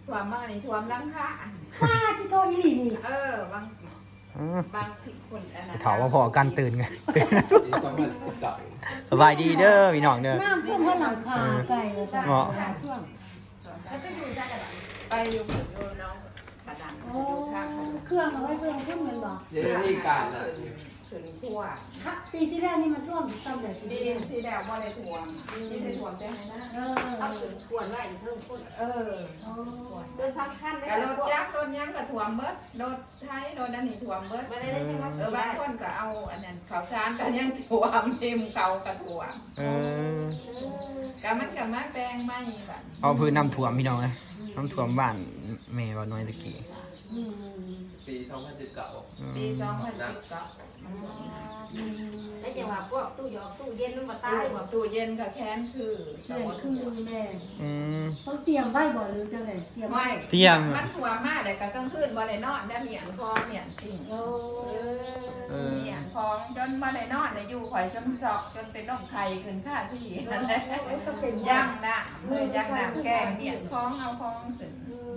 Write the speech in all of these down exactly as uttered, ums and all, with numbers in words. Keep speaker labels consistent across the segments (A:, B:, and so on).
A: ถ่วมมากนี่ถ่วมลังค่า
B: ป้าที่โทรยี่หลีนี่
A: เออบางบางผิดคนอันนั้น
C: ถามว่าพอกันตื่นไง
D: ปีสองพันสิบเก้า
C: สบายดีเด้อพี่น้องเด้อ
B: น้ำท่วมเพราะหลังคาไก่เลยจ้ะ
C: เหมาะ
B: ท่วม
A: ไปอยู่เหมือนอยู่น้องขนาด
B: โอ้
A: อยู่ข้างถนน
B: เครื่องเอาไว้เพื่อนขึ้นเงินบ่
D: เดี๋ยวนี้การน่ะ
A: ถึงทั่ว
B: ค่ะปีที่แล้วนี่มันท่วมซ้ำเลยปี
A: ดี
B: ที่แล้ว
A: ที่แล้วว่าได้ถ่วมที่ได้ถ่วมแต่ให้นะ
B: เออ
E: เอาถึงควรไว้เพิ่มคน
A: เออ
B: โอ้
E: โดยสำคัญ
A: กระโดดยักษ์โดนยักษ์กับถ่วมเบิดโดดไทยโดนนั่นนี่ถ่วมเบิด
E: ไม่ได้ได้ทั้งนั้น
A: เออบางคนก็เอาอันนั้นข้าวสารกันยังถ่วมเต็มเขากระถ่วม
C: เออ
A: ก็มันก็มาแปลงไม่แบบ
C: เอาพื้นน้ำท่วมพี่น้องนะน้ำท่วมบ้านแม่บ้านน้อยตะกี้
B: อืม
D: ปีสองพันสิบเก้า
A: ปีสองพันสิบก็
E: แล้วจังหวะพวกตู้หยอกตู้เย็นมันมาตา
A: ตาย
E: ย
A: หัวตู้เย็นกับแค้นคือ
B: แม่คือแม่
C: อืม
B: ต้องเตรียมไว้บ่หรือจังไดเตรียม
A: ไม่
C: เที่ยง
A: มันหัวมากแต่ก็ต้องขึ้นบ่ได้นอนได้เหมียนคองเหมียนสิ่ง
B: โอ้
C: เออ
A: เหมียนคองจนบ่ได้นอนได้อยู่ข่อยจนจอกจนเป็นน้องไข่ขึ้นค่าที่นั่นแหละ
B: ก็เป็น
A: ย่างน่ะเลยย่างน้ำแกงเหมียนคองเอาคองขึ้น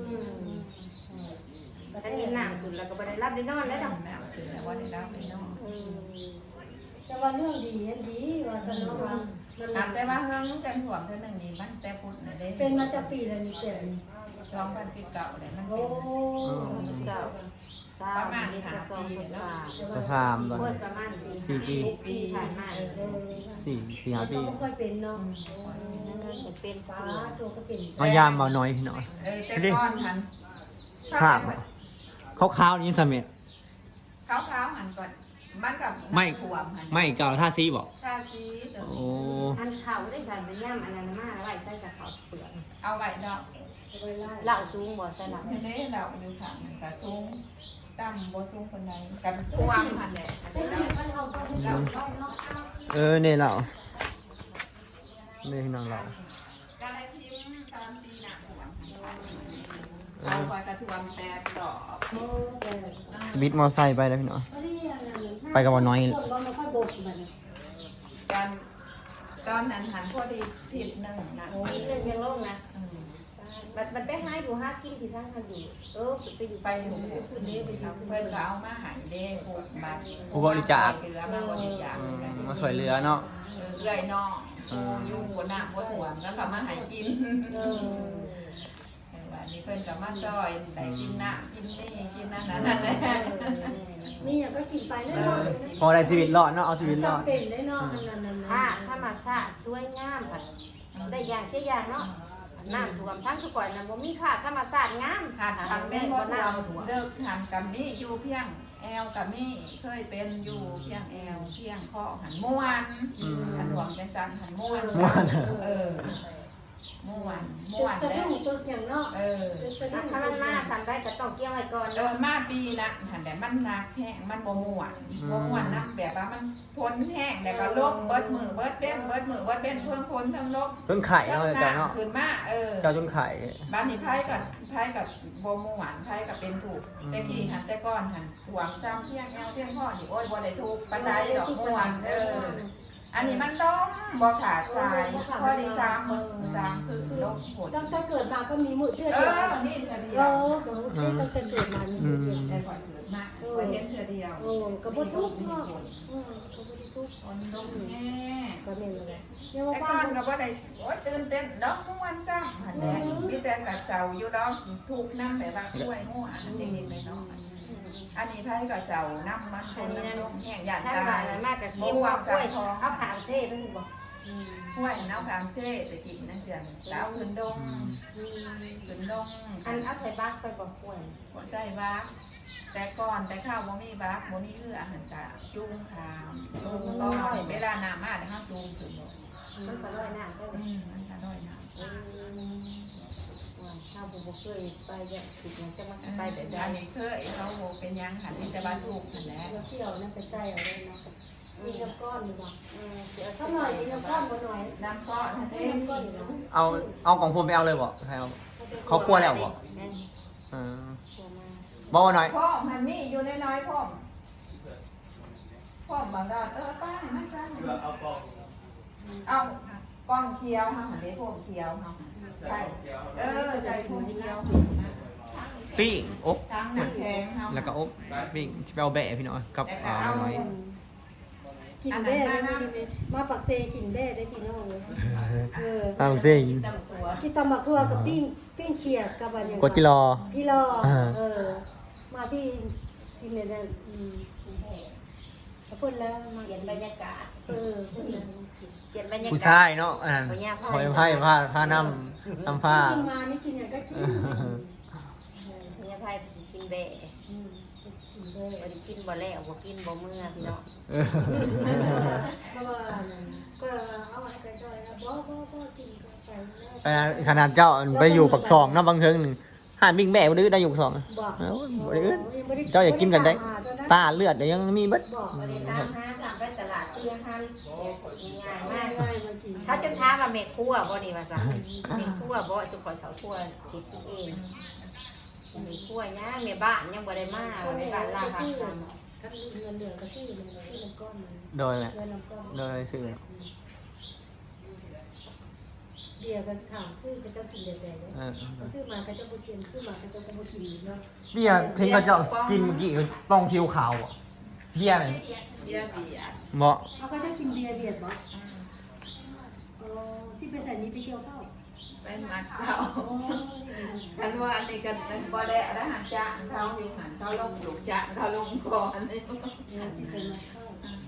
E: ถ้ามีหนังสุดแล้วก็ไม่ได้รับได้นอนแล้วดอก
A: น้ำขึ้นแล้วว่าได้รับไปนอน
B: แต่ว่าเรื่องดีอันดีว่าสนุกว่ามัน
A: ถามแต่ว่าเฮิงจังถ่วมเท่านึงนี่มันแต่พุทธน่ะเด้
B: เป็นมาจากปีแล้วนี่เป็นนี่
A: สองพันสิบเก้าเลยมัน
B: โอ้
A: เป็น
E: เก้าสามปีจะสองสาม
C: จะถามตอน
E: เปิดประมาณสี่
C: สี่ปี
E: ปีผ่านมา
C: สี่สี่ห้าปี
B: ก็ค่อยเป็นเนาะ
E: นั่นจะเป็น
B: ฟ้า
E: ฟ้า
B: ตัวก็เป็น
C: มายามเบาน้อยพี่น้อง
A: เออแต่ก้อนหัน
C: ภาพขาวๆนี้สมัย
A: ขาวขาวหันก่อนมันกับ
C: ไม่
A: ขวมหัน
C: ไม่เก่าท่าซีบอก
A: ท่าซีเดี๋ยว
C: โอ้
E: อันเขาได้ใส่เป็นย่ำอันนั้นมาแล้วไว้ใส่กับเขาเปลือก
A: เอาไว้ดอก
E: เหล่าสูงบ่ใส่เหล่า
A: ทีนี้เราอยู่ข้างมันกับซุ้งตั้มบนซุ้งคนใดกับท่วมหันแหละอัน
B: ใช่
A: นี้
B: ไหม
A: เรา
B: มันเอาไปให้เราเราเราเอา
C: เออเนี่ยเราเนี่ยพี่น้องเรา
A: ก็เลยทิ้งตอนปีหนักหัวเอาไว้กระท่วมแปดดอก
B: โอ้แต่
C: สวิตมอไซค์ไปแล้วพี่น้อง
B: ก็นี่อันนั้น
C: ไปกับบ่น้อย
B: คนเราไม่ค่อยบกมัน
A: กันตอนนั้นหันพอดีผิดหนึ่งนะ
E: อีกเรื่องยังโล่งนะมันมันไปหาอยู่หากินที่สร้างเขาอยู่เออไปอยู่
A: ไป
E: ไป
A: หมู่คุณนี่เพื่อนก็เอามาหายเด้ผูกบัตร
C: ผู้บริจาค
A: เหลือมาบริจาค
C: อืมมาสวยเรือเนาะ
A: เอื้อยน้องอยู่บนหน้าบนถ่วงแล้วก็มาหายกิน
B: เออ
A: วันนี้เพิ่นก็มาซอยได้กินน้ำกินนี่กินนั่นนั่นนั่นแหละ
B: นี่อย่างก็กินไปแน่นอน
C: พอได้ชีวิตรอดเนาะเอาชีวิตรอด
B: จำเป็นได้เนาะอันนั้นนั่น
E: ถ้าถ้ามาชาติสวยงามผัดได้อย่างเสียอย่างเนาะน้ำท่วมทั้งสุก่อยนะบ่มีค่าธรรมชาติงาม
A: หันทางแม่
E: แม่
A: บ่
E: บ่
A: ท
E: น้ำท่วม
A: ำเลิกทำกับมี่อยู่เพียงแอลกับมี่เคยเป็นอยู่เพียงแอลเพียงข้อหันม่วน
C: อืม
A: หันถ่วงจังจันหันม่วน
C: ม่วน
A: เออม่วน
B: ตึ
A: ม่ว
B: ก
A: น
B: สะ
A: แล้ว
B: ดุ้งตึกอย่างเนาะ
A: เออ
B: ตึกสะดุ้ง
E: ถ้ามันมาสันได้ก็ต้องเกี่ยวไว้ก่อน
A: เออมาปีละหันแต่มันหนักแห้งมันบ่ม่วนบ่ม่วนนํแบบว่ามันพ้นแห้งแล้วก็ลบเบิดมือเบิดเป็นเบิดมือเบิดเป็นเพิ่งพ้นเพิ่งลบ
C: จนไข่เนาะเจ้าเนาะ
A: ขึ้นมาเออ
C: เจ้าจนไข่
A: บ้านนี้ไพ่กับไพ่กับโบมูหวานไพ่กับเป็นถูก
C: อืม
A: แต่กี้หันแต่ก้อนหันหวงซ้ำเพียงแอวเพียงพ่อนี่โอ้ยบ่ได้ถูกปันไดดอกม่วนเออ อันนี้มันล้มบ่ขาดสายพอดีสามมือสามคือล้มหด
B: ตั้งแต่เกิดมาก็มีมือเทื่อ
A: เอ
B: เดียว
A: อนี่เฉลีย
B: เรา
A: ว
B: ก็ที่ตั้งแต่เกิดมามีมือเดียว
A: แต่ก่อนเกิดมาไปเห็นเฉลียว
B: โอ้ก็บ่ทุกข์เนาะเออก็บ่ได้ทุกข์
A: คนล้มแน่
B: ก็แม่นเลยเนี่ย
A: แต่
B: ว่า
A: ก่
B: บ้า
A: อน นก็บ่ได้โอ้ยตื่นเต้นดอกม่วนซ้ำหันแหละมีแต่กัดเสาอยู่ดอกถูกน้ำแบบว่าช่วยง่วงจริงๆเลยเนาะ อันนี้ไพ่กับเสาน้ำมันคนน้ำลมแห้งหยาด
E: ถ้า
A: ตา
E: ว่าย มาจากเก็บว่ากล้วยเอาขางเซ่ไปถึงบ่
A: ห้วยน้ำขามเซ่ตะกี้นั่นเสียงสาวขึ้นดงขึ้นดง
E: อันเอาใส่บักไปบ่กล้วย
A: หัวใจบ้าแต่ก่อนแต่ข้าวบ่มีบ้าบ่มีเอื้ออาหารตาจุ้งขามจุ้งก็เวลาน้ำมาแต่ข้าวจุ้งถึงบ่
E: มันก็ร้อยน้ำได้
A: อืมมันจะด้อยน้
E: ข้าวบุบเคยไปอย่างติดอย่างจะมา
A: ำ
E: ไป
A: ไป
E: แบ
A: แบบ บ
E: นั้
A: นี้ นเคยเขาเป็นยังหันที่จะบ้านถูกหันแหล้ว
B: เราเสี่ยวนั่นไปใส่เอาเลยเนาะมีน้ำก้อนอยู่บ่
E: เดี๋ยว
B: ถ้าหน่อยมีน้ำก้อนบ่หน่อย
A: น้ำก้อนนะ
B: ใส่
A: เซ่
B: น้ำก้อนอยู่เนาะ
C: เอาเอาของผมไปเอาเลยบ่ใครเอา เขากลัวแล้วบ่ เออบ่ว่าน้อย
A: พ่อมันมีอยู่ในน้อยพ่อพ่อบางดอนเออป้าไม่ใช่
D: เอาปอก
A: เอาก้อนเคี้ยวค่ะหันได้พวกเคี้ยวค่ะใช่เออใส่พวกเคี้ยวนะ
C: ปิ้งอบ
A: ทั้งหนังแข็งเฮา
C: แล้วก็อบปิ้งที่เอาแบะพี่น้องกับอ่าน้อย
B: กินแบ่ได้มาปักเซกินแบ่ได้พี่น้องเลยเออ
C: ตามซิง
A: ตำตัว
B: กินตำบักทั่วกับปิ้งปิ้งเขียดกับอะไรอย่าง
C: กดกิโล
B: พี่รอเออมาที่กินเนี่ยนะอืมพูดแล้วมา
E: เปลี่ยนบรรยากาศ
B: เออพูดแล้ว
E: เปลี่ยนบรรยากาศ
C: ผู้ชายเนาะอันนั้นคอยไพ่ผ้าผ้าน้ำน้ำฟ้า
B: กินมานี่กินอย่างก็กิน
E: เนี่ยไพ่กินเบะ
B: อืมกินแบ่
E: บ่ได้กินบ่แล้วบ่กินบ่เมื่อพี่น้อง
B: เพราะว่าก็เอาให้กระจอยนะบ่บ่บ่กินก็ไปแล้ว
C: ไปนะขนาดเจ้าไปอยู่ปักซองนะบางเทิงหนึ่งหานบิ้งแบะบ่ได้ได้อยู่ปักซอง
B: บอก
C: เอ้าบ่ได้อึดเจ้าอยากกินกันได้ตาเลือดเดี๋ยวยังมีเบิด
B: บอก
E: บ่ได้ตามหาสั่งไปตลาดซื้ออาหารง่ายมาก
B: ง่ายมากิน
E: ถ้าจนถามว่าแม่ครัวบ่นี่ว่าซั่นแม่ครัวบ่สุขอยเขาครัวคิดเองแม่ครัวย่าแม่บ้านยังบ่ได้มาแม่บ้านลาหาทำ
B: ถ้าเงินเหลือก็ซื้อเลยซื้อน้ำก้อนมัน
C: โดยแหละ
B: เงินน้ำก้อน
C: โดยซื้อ
B: เบียร์ก็ถามซื้อก็เจ้ากินแดงๆเลย
C: เออ
B: ซื้อมาก็เจ้าบ่กินซื้อมาก็เจ้าก็บ่กินเนาะ
C: เบียร์เทงก็เจ้ากินเมื่อกี้คือต้องคิวขาวอ่ะเบียร์ไหน
A: เบียร์เบียร์
C: เหมาะ
B: เอาก็เจ้ากินเบียร์เบียดบ่อ๋อที่ไปใส่นี้ไปเกี่ยวข้าว
A: ไปหมักเขา
B: อ๋อ
A: คันว่าอันนี้ก็บ่ได้แล้วหันจ้างเขาอยู่หันเขาลงอยู่จ้างเขาลงก่อนนี่
B: เนี่ยที่เป็นมาข้าว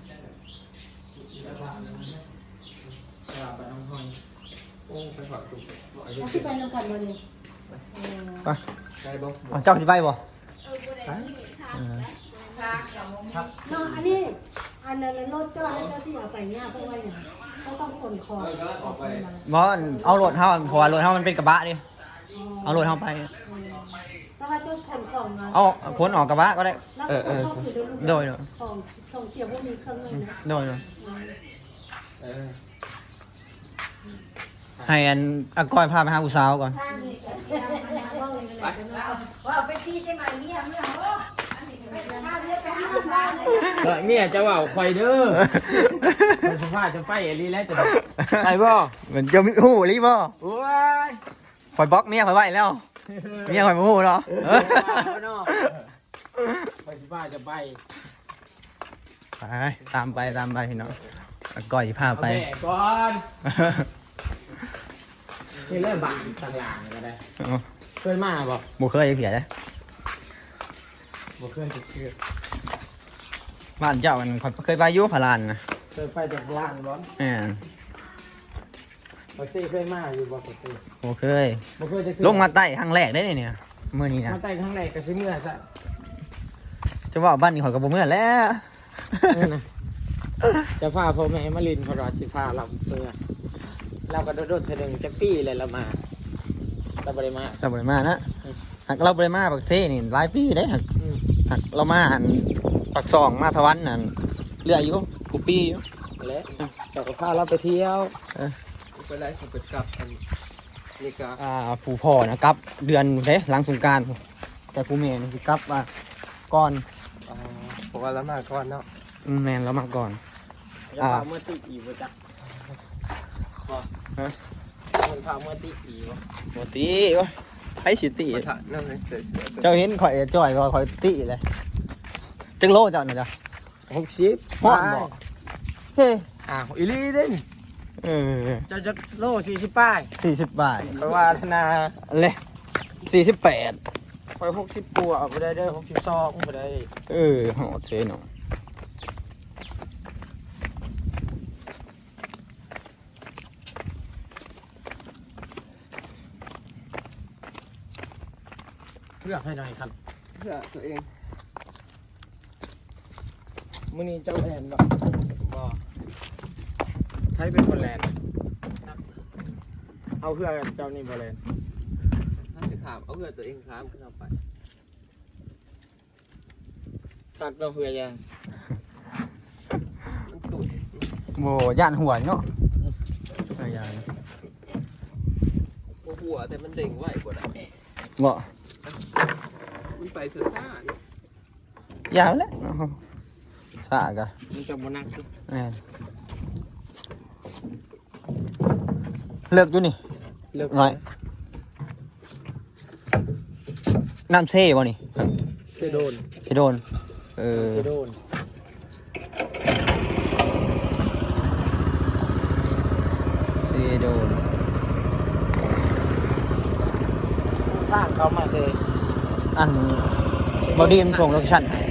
D: ตลาดปลาน้ำพอยโอ้ไปฝากตุก
B: เอาที่ไปนำกันมาเลย
C: ไป
D: ใช่บ่
C: เอาเจ้าสิไปบ่
A: ทางกับมง
B: เนาะอันนี้อันนั้นรถเจ้าแล้วเจ้าสิเอาไปเนี่ยเพราะว่าอย่างเขาต้องขนของ
D: เออก็ออกไป
C: บ่เอารถเฮาเพราะว่ารถเฮามันเป็นกระบะดิเอารถเฮาไป
B: แต่ว่าเจ้าขนของมา
C: เอาพ้นออกกระบะก็ได้
B: แล้วก็ขนของคือ
C: โดยโดย
B: ของของเสียพวกนี้เครื่องนึงนะ
C: โดยโดย
D: เออ
C: ให้อันอากอยพาไปหาผู้สาวก่อน
E: ว่าเอาไปที่จังไหนเนี่ยเมื่อโอ้อันนี้ไปหาเรียกไปหาบ้านเลย
D: เออเมียจะว่าคอยเด้อคนสภาพจะไปอลีแล้วจะไปบ่
C: เหมือนจะมีหูรีบ่
D: โอ้ย
C: คอยบล็อกเมียคอยไว้แล้วเมียคอยมาหูเนาะ
D: คนสภาพจะไป
C: ไปตามไปตามไปเนาะอากอยพาไป
D: เอาแม่ก่อนนี่เริ่มบังต่างหลังก็ได้เคยมาบ่
C: บ่เคยเสียเลย
D: บ่เคยจะเคย
C: บ้านเจ้ามันคอยเคยไปอยุ่พารานนะ
D: เคยไปจากล่างบ่
C: แหม
D: บักซี่เคยมาอยู่บ่บักซี่
C: บ่เคย
D: บ่เคยจะ
C: ลงมาใต้ครั้งแรกได้เนี่ยมื้อนี้นะ
D: มาใต้ข้างในก็สิเมื่อซะ
C: จะว่าบ้านนี้ข่อยก็บ่เมื่อแล้ว
D: จะพาพ่อแม่มาลินพอรอสิพาเราเมื่อเราก็โดดๆเทอนึงจะปี้เลยเรามาเราบ่ได้มา
C: เราบ่ได้มานะหักเราบ่ได้มาปักเซ่นี่หลายปีเด้หัก
D: อืม
C: หักเรามาอันปักซองมาสวรรค์นั่นเรื่อยอยู่กูปีอยู่
D: แล้วแต่ก็พาเราไปเที่ยว
C: เออ
D: ไปไล่สกัดกับอันนี่ก็
C: อ่าผู้พ่อนะครับ เดือนเด้หลังสงกรานต์แต่ผู้แม่นี่สิกลับว่าก่อน
D: อ๋อเพราะว่าเรามาก่อนเนาะ
C: อืมแม่นเรามาก่อน
D: จะพาเมื่อตีอีบ่จ๊ะบ่
C: ฮะ
D: คนพาเมื่อตีอีบ่
C: บ่ตีวะไผสิตี
D: มาถ่ายนั่นเลยเสือๆ
C: เจ้าเห็นข่อยจ้อยก็ข่อยตีเลยจังโลเจ้าน่ะจ้ะ
D: หกสิบ
C: ฮอดบ่เฮ้
D: อ้าวอีลีเด้น
C: เออ
D: จะจะโลสี่สิบป้าย
C: สี่สิบบาท
D: เพราะว่าธนา
C: เลยสี่สิบแปด
D: ไปหกสิบปัวเอาไปได้เด้อหกสิบสองไปได้
C: เออหอดเซนอ
D: เลือกให้หน่อยครับ
F: เพื่อตัวเอง
D: มื้อนี้เจ้าแอนบ่บ่ใครเป็นคนแลนด์เอาเพื่อเจ้านี่บ่แลนด์
F: ถ้าสิขามเอาเพื่อตัวเองขามขึ้นเอาไป
D: ตักเราเพื่อยัง
F: มันตุ่น
C: โบย่านหัวเนาะอะไรอย่าง
F: บ่หัวแต่มันเด้งไหวกว่าได้
C: บ่
F: มันไปซ่าๆนี่
C: ยาวแล้วสากะ
D: มันจะบ่นักสิ
C: แม่นเลิกอยู่นี่
D: เลิก
C: หน่อยน้ำเซ่บ่นี่
D: เซโดน
C: เซโดนเออ
D: เซโดน
C: เซโดน
D: ทางเขามาเซ
C: อันบอดี้มันส่งโลเคชั่นให้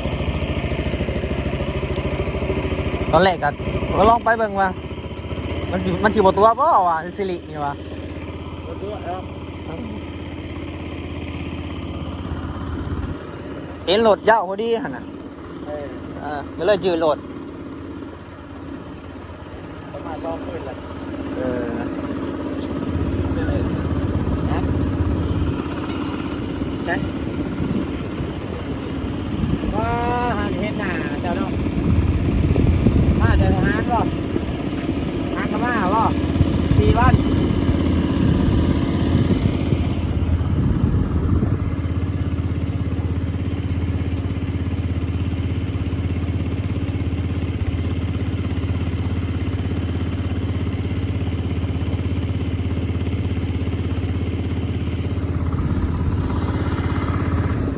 C: ตอนแรกก็ก็ลองไปเบิ่งว่ามันสิมันสิบ่ตัวบ่ว่าสิรินี่ว่า
D: รถด้วยแล้ว
C: เห็นโหลดยาวพอดีหั่นน่ะ
D: เออ
C: อ่าก็เลยยืนโหลด
D: เขามาซ้อมปืนเลย
C: เออ
D: นะใช่ว่าหันเห็นหน้าเจ้าเนาะมาแต่ทหารบ่ทหารก็มาบ่สี่วัน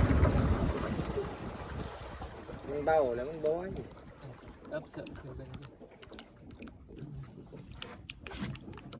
D: มันเบาแล้วมันโบย
F: รับเสริมคือเป็น